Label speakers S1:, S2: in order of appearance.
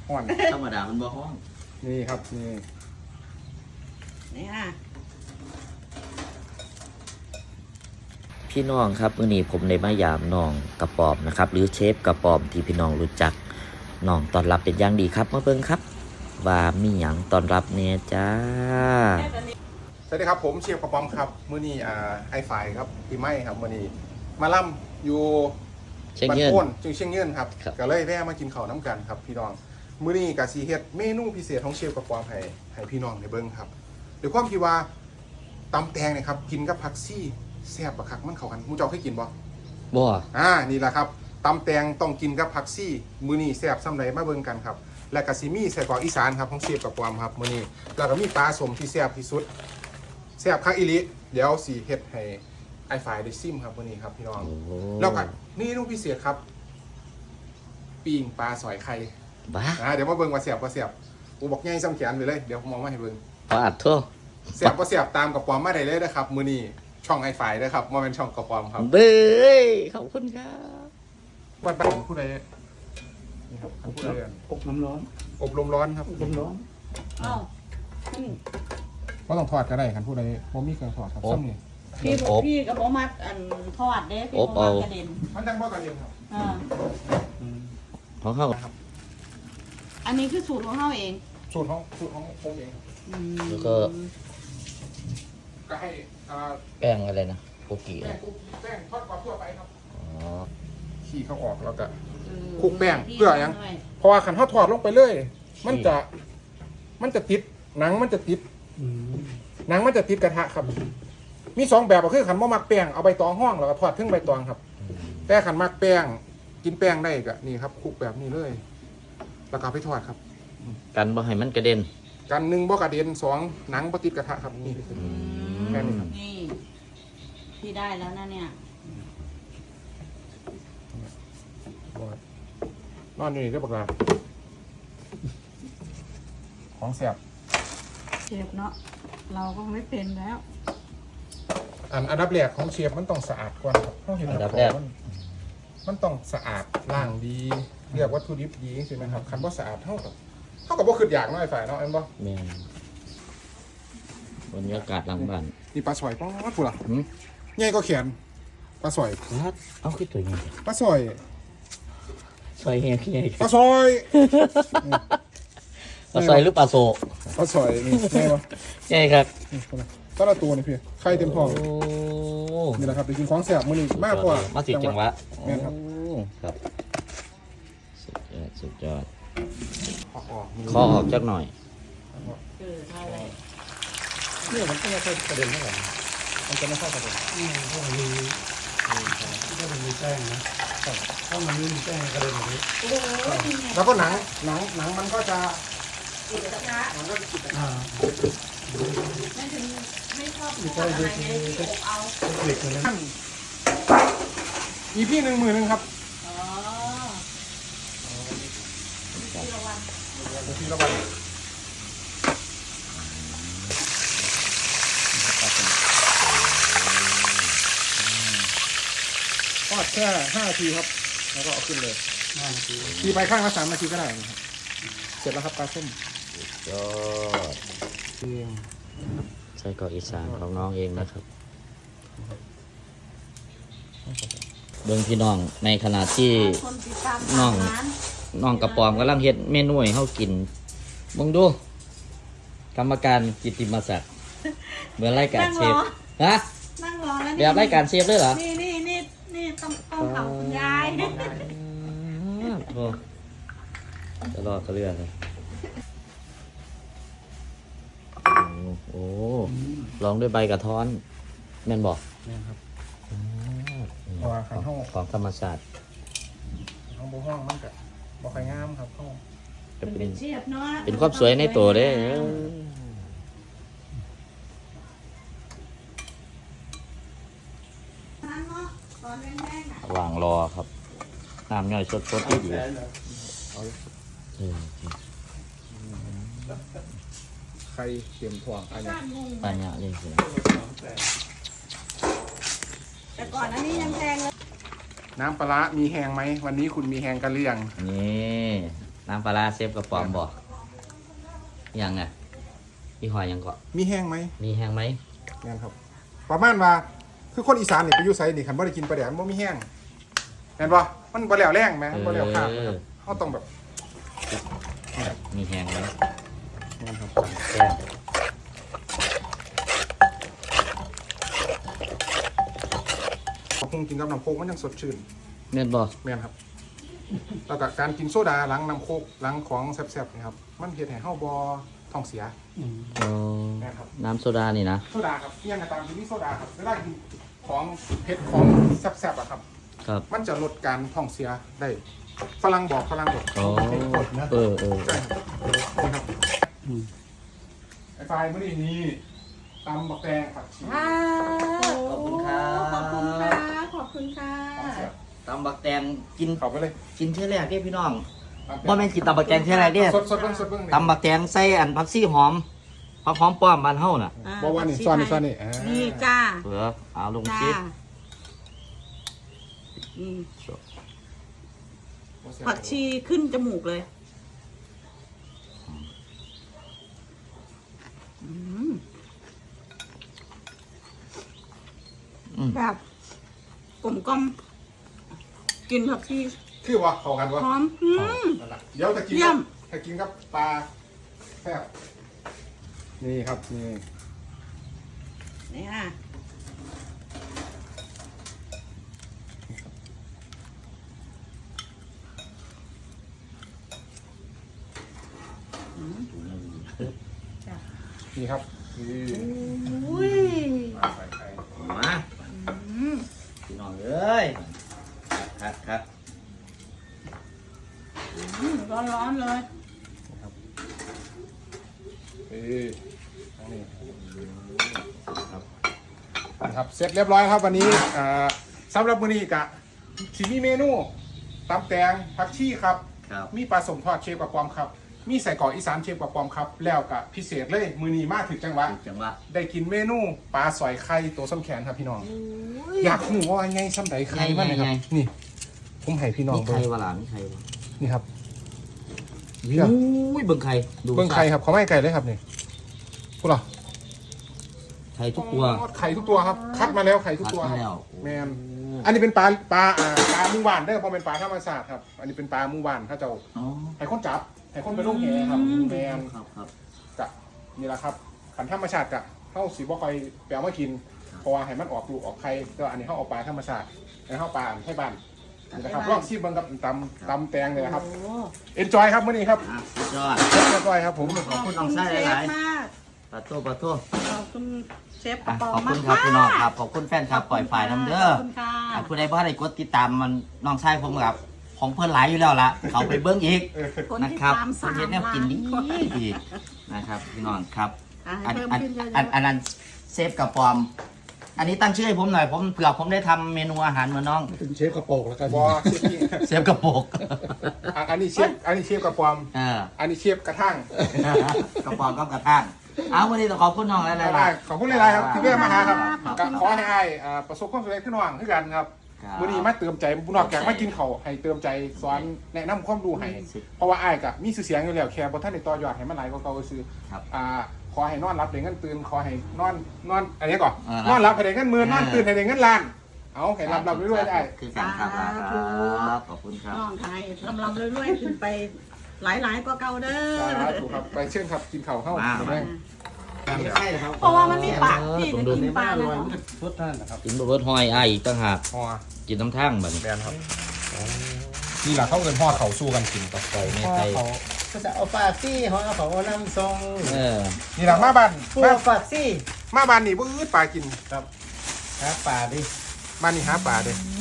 S1: ห้อน
S2: ธรรมดามันบ่ห้อง
S1: นี่ครับนี่
S3: ค่ะ
S4: พี่น้องครับมื้อนี้ผมได้มายามน้องกระปอมนะครับหรือเชฟกระปอมที่พี่น้องรู้จักน้องต้อนรับเป็นอย่างดีครับมาเบิ่งครับว่ามีหยังต้อนรับเนี่ยจ้า
S1: สวัสดีครับผมเชฟกระป๋อมครับมื้อนี้ไอ้ฝ่ายครับพี่ไม้ครับมื้อนี้มาล่ำอยู่บ้านโพ้นจึงเชียงยืนครับก็เลยแวะมากินข้าวน้ำกันครับพี่น้องมื้อนี้ก็สิเฮ็ดเมนูพิเศษของเชฟกระป๋อมให้พี่น้องได้เบิ่งครับด้วยความที่ว่าตำแตงเนี่ยครับกินกับผักซี่แซ่บบักคักมันเข้ากันหมู่เจ้าเคยกินบ่นี่แหละครับตำแตงต้องกินกับผักซี่มื้อนี้แซ่บส่ำใดมาเบิ่งกันครับและก็สิมีไส้กรอกอีสานครับของเชฟกระป๋อมครับมื้อนี้แล้วก็มีปลาสมที่แซ่บที่สุดแซ่บคักอีหลีเดี๋ยวสิเฮ็ดให้ไอ้ฝ่ายได้ซิมครับมื้อนี้ครับพี่น้องแล้วก็นี่ลูกพิเศษครับปิ้งปลาสอยไข่
S4: บ้า
S1: เดี๋ยวมาเบิ่งว่าแซ่บบ่แซ่บกูบอกใหญ่ซ้ำแขนไปเลยเดี๋ยวผมมองมาให้เบิ่ง
S4: อัดทั่ว
S1: แซ่บบ่แซ่บตามกระป๋อมมาได้เลยนะครับมื้อนี้ช่องไอ้ฝ่ายนะครับบ่แม่นช่องกระป๋อมครับ
S4: เบ้ยขอบคุณครับ
S1: วัดบ้านผู้ใดนี่ครับผู้ใด
S5: อบน้ำร้อน
S1: อบลมร้อนครับ
S5: อบลมร้อน
S3: อ้าว
S1: บ่ต้องทอดก็ได้คันผู้ใดบ่มีเครื่องทอดครับซ้ำนี่
S3: พี่กับผมมัดทอดเด้พี่ผมมัดกระเด็น
S1: มันจังบ่กระเด็นครับ
S4: ของเขา
S1: ครับ
S3: อันนี้คือสูตรของเขาเอง
S1: สูตรของผมเอง
S4: แล้วก็
S1: ให้
S4: แป้งอะไรนะโกกิ
S1: แป้งทอดกรอบทั่วไปครับ
S4: อ๋อ
S1: ขี้เขาออกแล้วก็คลุกแป้งเพื่อยังเพราะว่าขันทอดลงไปเลยมันจะติดหนังมันจะติดกระทะครับมี2แบบก็คือขันบ่มักแป้งเอาใบตองห้องแล้วก็ทอดถึงใบตองครับแต่ขันมักแป้งกินแป้งได้ก็นี่ครับคลุกแบบนี้เลยแล้วก็ไปทอดครับ
S4: กันบ่ให้มันกระเด็น
S1: กัน1บ่กระเด็น2หนังบ่ติดกระทะครับนี่แค่นี้ครับ
S3: นี่พี่ได้แล้วนะเนี่ย
S1: นอนอยู่นี่ได้บักลาของแสบ
S3: เชฟเนาะเราก็ไม่เป็นแล้ว
S1: อันดับแรกของเชฟมันต้องสะอาดก่อนครับเพราะเห็นอันดับแรกมันต้องสะอาดล้างดีเรียกวัตถุดิบดีใช่ไหมครับคันว่าสะอาดเท่ากับว่าคืออยากน้อยฝ่ายเนาะเอ็มบ่
S4: แม่บรรยากาศหลังบ้าน
S1: นี่ปลาสอยป๊อดกูล่ะใหญ่ก็แขนปลาสอย
S4: เอาขึ้นตัวใหญ่
S1: ปลาสอย
S4: เฮีย
S1: ปลาสอย
S4: ปลาซอยหรือปลาโซ
S1: ปลาสอยนี่ใช่ปะ
S4: ใช่ครับ
S1: ก็ละตัวนี่พี่ไข่เต็มท้องนี่แหละครับไปกินของแสบมื้อนี้มากกว่า
S4: มาสิจังหวะ
S1: แม่นครับ
S4: ครับสุดยอดขอออกจักหน่อย
S5: เนี่ยมันก็ไม่ค่อยกระเด็นเท่าไหร่
S1: มันจะไม่เข้ากระเด็น
S5: เพราะมันมีแป้งนะถ้ามันไม่มีแป้งกระเด็นแบบนี้
S1: แล้วก็หนังมันก็จะ
S3: ติดกระทะ
S1: มันก็จะติดกระทะ
S3: ไม่ชอบทอดอะไรเลยเอา
S5: เหล็กเลยนะ
S1: อีพี่10,000ครับทีละวันทอดแค่5 นาทีครับแล้วก็เอาขึ้นเลย
S5: 5 นาที
S1: ทีไปข้างละ3 นาทีก็ได้นะครับเสร็จแล้วครับปลาส้ม
S4: ยอดใส่กรอกอีสานของน้องเองนะครับเบิ่งพี่น้องในขณะที่น้องกระปอมกำลังเฮ็ดเมนูให้เฮากินมึงดูกรรมการกิตติมศักดิ์เหมือนรายการเชฟ
S3: นะนั่งรอแล้ว
S4: แบบรายการเชฟด้วยเหรอ
S3: นี่ต้องเผาคุณยาย
S4: โอ้จะรอเขาเรื่องเลยโอ้ลองด้วยใบกระท้อนแม่นบอก
S1: แม่นครับ
S4: ของธรรมชาติ
S1: ห้องห้องมันกับบ่ค่อยงามครับห้อง
S4: จะเป็นความสวยในตัวเด้วางรอครับน้ำย่อยสดๆอยู่
S1: ไข่เค็มถ่วงอันนี้
S4: ปัญญาเลยสิ
S3: แต่ก่อนอันนี้ยังแพงเลย
S1: น้ำปลามีแห้งไหมวันนี้คุณมีแห้งกันหรือยัง
S4: นี่น้ำปลาร้าเชฟกระป๋อมบอกยังไงพี่หอยยังเกาะ
S1: มีแห้งไหม
S4: มีแห้งไหม
S1: แม่นครับประมาณว่าคือคนอีสานนี่ไปอยู่ไสนี่คันบ่ได้กินปลาแดกมันบ่มีแห้งแม่นบ่มันบ่แล้วแรงแม่นบ่แล้วข้ามนะครับเฮาต้องแบบ
S4: มีแห้งไหม
S1: แม่นครับ
S4: แซ่บ
S1: พอคงกินกับน้ำโคกมันยังสดชื่น
S4: เม่นบอก
S1: แม่นครับแล้วก็การกินโซดาหลังน้ำโคกหลังของแซ่บๆนี่ครับมันเฮ็ดให้เฮาบ่ท้องเสียแม่นครับ
S4: น้ำโซดานี่นะ
S1: โซดาครับเที่ยงก็ตามที่มีโซดาครับเวลากินของเผ็ดของแซ่บๆอะครับ
S4: ครับ
S1: มันจะลดการท้องเสียได้ฝรั่งบอก
S4: โอ้เออ
S1: ใช่ครับนี่ครับไอ้ไฟเมื่อนี้นี่ตำบักแตงผักชี
S4: ขอบคุณครับ
S3: ขอบคุณค่ะขอบคุณค่ะ
S1: ของเสีย
S4: ตำบักแตงกิน
S1: เข้าไปเลย
S4: กินเท่าแรกเด้พี่น้องบ่แม่นกินตำบักแตงเท่าแรกเด้
S1: สดเบิ่งนี่
S4: ตำบักแตงใส่อันผักชีหอมผักหอมป้อมบ้านเฮาน่ะ
S1: บอกว่านี่ซ่อนนี่อ่า
S3: นี่จ้า
S4: เผื่อเอาลง
S3: จ้า
S4: ชิด
S3: นี่ผักชีขึ้นจมูกเลยอืมแบบกลมกล่อมกินผักชี
S1: คือว่าเข้ากันวะ
S3: หอม
S1: นั่นล่ะเดี๋ยวจะกิน
S3: เยี่ยม
S1: ถ้ากินกับปลาแซ่บนี่ครับนี่
S3: นี่ค่ะ
S1: นี่ครับนี่
S3: อุ้ย
S1: มาใส่ไข่
S4: มา พี่น้องเอ้ยครับ
S3: ร้อนๆเลย
S1: นี่ครับเสร็จเรียบร้อยครับวันนี้สำหรับมื้อนี้กะสิมีเมนูตำแตงผักชีครับ
S4: ครับ
S1: มีปลาสมทอดเชฟกับปอมครับ มีใส่กรอกอีสานเชฟกับปอมครับ แล้วก็พิเศษเลยมื้อนี้มาถึงจังหวะ
S4: จังหวะ
S1: ได้กินเมนูปลาสอยไข่ตัวส้มแขนครับพี่น้อง อยากรู้ว่าไงซ้ำใดไข่มันนะครับนี่ ผมให้พี่น้อง
S4: มี
S1: เบิ่
S4: ไข่
S1: ง
S4: วะล่ะมีไข่วะ
S1: นี่ครับ
S4: อุ้ยเบิ่งไข่ดู
S1: เบิ่งไข่ครับเขาไม่ให้ไก่เลยครับนี่พูดเหรอ
S4: ไข่ทุกตัว
S1: ไข่ทุกตัวครับ คัดมาแล้วไข่ทุกตัว
S4: คัด
S1: ค
S4: มาแล้ว
S1: รับแมนอันนี้เป็นปลาหมู่บ้านเด้อเพราะเป็นปลาธรรมชาติครับ อันนี้เป็นปลาหมู่บ้านถ้าเจ้า
S4: อ๋อ
S1: ให้คนจับให้คนไปลงแหครับแมน
S4: ครับ
S1: กะนี่แหละครับขันธรรมชาติกะเข้าสีบ่คอยแปลมากินเพราะว่าให้มันออกลูกออกไข่ก็อันนี้เข้าเอาปลาธรรมชาติให้เข้าปลาให้บ้านนี่นะครับลองชิมเบิ่งกับตำแตงเลยนะครับ
S3: โอ้
S1: เอนจอยครับมื้อนี้ครับ
S4: อ่ะสุดยอด
S1: เรียบร้อยครับผม
S4: ขอบคุณน้องไส้หลาย
S3: เชฟมาก
S4: ๆปลาโต้ปลาโต้
S3: ขอบคุณเชฟก
S4: อ่ะ
S3: ระป๋อ
S4: ขอบ
S3: มา
S4: คุ
S3: ก
S4: ณครับพี่น้องครับ ขอบคุณแฟนครับปล่อยฝ่ายน้ำเด้อ
S3: ขอบคุณค่ะ
S4: อ่ะผู้ใดบ่ได้กดติดตามมันน้องไส้ผมครับ ของเพื่อนหลายอยู่แล้วล่ะ เขาไปเบิ้งอีก
S3: คน
S4: นะ
S3: ที่
S4: ครับ
S3: ตาม
S4: ค
S3: สาน ม
S4: เฮ็ดแนว
S3: ล้า
S4: กิน
S3: น
S4: ดี
S3: คน
S4: ดีนะครับพี่น้องครับ
S3: อ่ะ
S4: อัน
S3: ให้เพิ่ม
S4: อัน
S3: ขึ้นเยอะ
S4: อันนั้นเซฟกับปอม อันนี้ตั้งชื่อให้ผมหน่อยผมเผื่อผมได้ทำเมนูอาหารเหมือนน้อง
S5: เป็นเชฟกระโปงแล้วกัน
S1: บอเชฟนี่
S4: เซฟกระโปก
S1: อันนี้เชฟกระปอม
S4: เออ
S1: อันนี้เชฟกระทั่ง
S4: กระป๋องกับกระทานเอาวันนี้ต้องขอบคุณน้องหลายๆ
S1: ได้ขอบคุณหลายๆครับที่แวะมาหาครับ
S3: ขอบ
S1: ก็
S3: คุณ
S1: ขอให้อ้ายประสบความสำเร็จขึ้นหวังขึ้นกันครับ
S4: ครับ
S1: วันนี้มาเติมใจบุญนอกจากมากินเขาวให้เติมใจสอนแนะนำความรู้ให้เพราะว่าอ้ายกับมีชื่อเสียงอยู่แล้วแค่บ่ท่านได้ต่อยอดให้มันหลายกว่าเก่าซื่อ
S4: ครับ
S1: ขอให้นอนรับได้เงินตื่นขอให้นอนอันนี้ก่อน
S4: อ่าน
S1: อนรับให้ได้เงินหมื่นนอนตื่นให้ได้เงินล้าน เอาให้รับเรื่อยๆได้
S4: คือการครับครับขอบคุณครับ
S3: น้องไทยลำเรื่อยๆขึ้นไปหลายๆกว่าเก่าเด้อ
S1: ถูกครับไปเชิญครับกินข้าวเข้า
S4: มา
S1: แม่ง
S5: ไม่ใช่นะครับ
S3: เพราะว่ามันมีปากที่จะกินปลา
S5: อ
S3: เล
S5: ร่อย
S3: ย
S5: มันจะทุดท่านนะครับ
S4: กินบะเบิดหอยอ้ายอีกต่างหาก
S1: ห่อ
S4: กินน้ำทั้งบัดนี้
S1: แบนครับนี่แหละเขาเงินห่อเขาสู้กันกินต่อ
S4: ไก่ไม่
S5: พ่อ
S4: ไก่
S5: เขาก็จะเอาปากซี่เขาเอาของเอาน้ำทรง
S4: เออ
S1: นี่แหละมาบ้าน
S5: พวกปากซี่
S1: มาบ้านนี่บื้อปลากิน
S5: ครับหาปลาดิ
S1: บ้านนี่หาปลาเด้
S3: อ